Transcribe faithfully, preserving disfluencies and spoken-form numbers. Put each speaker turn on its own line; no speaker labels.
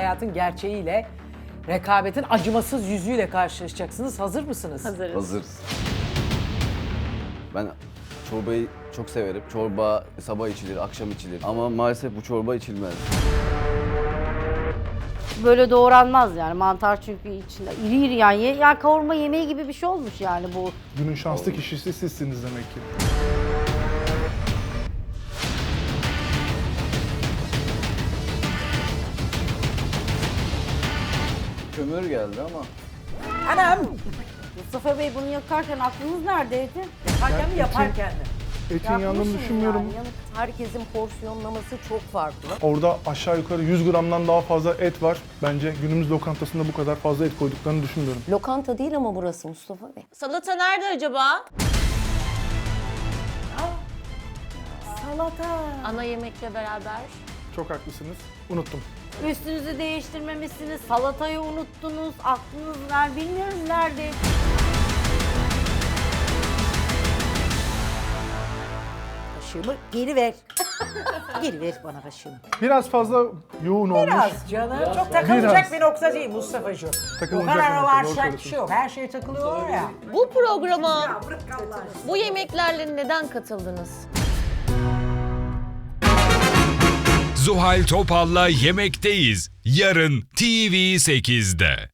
hayatın gerçeğiyle, rekabetin acımasız yüzüyle karşılaşacaksınız. Hazır mısınız?
Hazırız.
Hazırız. Ben çorbayı çok severim. Çorba sabah içilir, akşam içilir. Ama maalesef bu çorba içilmez.
Böyle doğranmaz yani mantar çünkü içinde iri iri yani, ye- yani kavurma yemeği gibi bir şey olmuş yani bu.
Günün şanslı kişisi sizsiniz demek ki.
Kömür geldi ama.
Anam!
Mustafa Bey bunu yakarken aklınız neredeydi?
Yaparken mi yaparken mi?
Etin yandığını
Yapmışsınız
düşünmüyorum.
yani, yanık.
Herkesin porsiyonlaması çok farklı.
Orada aşağı yukarı yüz gramdan daha fazla et var. Bence günümüz lokantasında bu kadar fazla et koyduklarını düşünmüyorum.
Lokanta değil ama burası Mustafa Bey.
Salata nerede acaba?
Salata. Ana yemekle beraber.
Çok haklısınız. Unuttum.
Üstünüzü değiştirmemişsiniz, salatayı unuttunuz, aklınız nerede bilmiyorum nerede.
Kaşığımı geri ver. Geri ver bana kaşığımı.
Biraz fazla yoğun olmuş.
Biraz canım. Çok takılacak
Biraz.
bir nokta değil Mustafa'cığım. O
Takılacak
kadar
bir nokta,
abartacak
doğru
bir şey yok. Her şeye takılıyor ya.
Bu programa bu yemeklerle neden katıldınız?
Zuhal Topal'la Yemekteyiz. Yarın T V sekizde.